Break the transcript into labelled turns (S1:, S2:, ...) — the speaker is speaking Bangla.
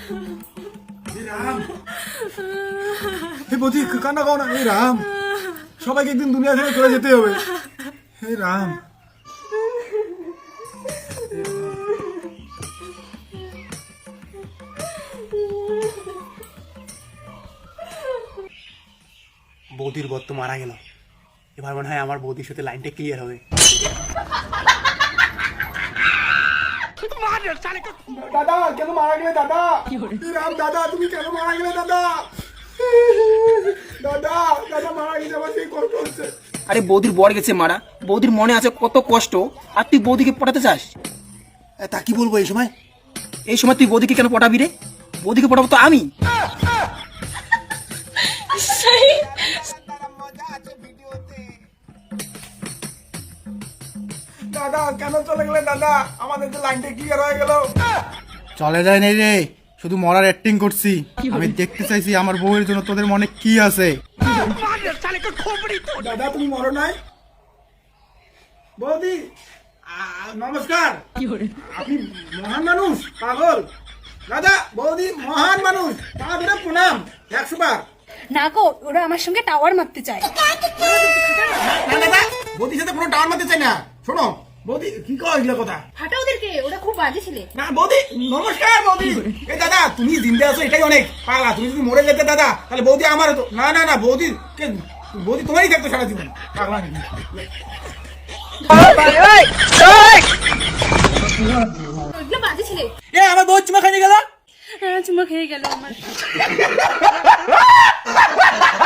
S1: রাম, হে বৌদি কান্না করো না। হে রাম, সবাইকে একদিন দুনিয়া থেকে চলে যেতে হবে। হে রাম,
S2: বৌদির বর তো মারা গেল, এবার মনে হয় আমার বৌদির সাথে লাইনটা ক্লিয়ার হবে।
S1: দাদা কেন মারা গেলে দাদা? রাম দাদা তুমি কেন মারা গেলে দাদা? দাদা দাদা মারা গেছে, আমার সেই কষ্ট হচ্ছে।
S3: আরে বৌদির বর গেছে মারা, বৌদির মনে আছে কত কষ্ট, আর তুই বৌদিকে পটাতে চাস?
S1: তা কি বলবো এই সময়?
S3: এই সময় তুই বৌদিকে কেন পটাবি রে? বৌদিকে পটাবো তো আমি।
S1: দাদা কেন চলে গেলে দাদা? আমাদের তো লাইনটা ক্লিয়ার হয়ে গেল।
S4: চলে যায় নাই রে, শুধু মরার অ্যাক্টিং করছি। আমি দেখতে চাইছি আমার বউয়ের জন্য তোদের মনে কি আছে।
S1: দাদা তুমি মরো নাই? বৌদি নমস্কার। আপনি মহান মানুষ, পাগল। দাদা বৌদি মহান মানুষ, পা ধরে প্রণাম 100 বার।
S5: না গো, ওরা আমার সঙ্গে টাওয়ার মারতে চায়।
S1: না দাদা, বৌদির সাথে কোনো টাওয়ার মারতে চাই না। শোনো বৌদি, কি কও এগুলো কথা?
S5: হাঁটা ওদেরকে, ওরা খুব বাজে ছেলে।
S1: না বৌদি নমস্কার। বৌদি এই দাদা তুমি জিন্দে আছো এটাই অনেক। পাগলা, তুমি যদি মরে যেতে দাদা তাহলে বৌদি আমার হতো। না না না, বৌদি বৌদি তোমারই থাকতো সারা জীবন। পাগলা নাকি?
S5: ওইগুলো বাজে ছেলে।
S3: এ আমার বউ চুমা খাইয়ে গেল।
S5: চুমা খেয়ে গেল আমার।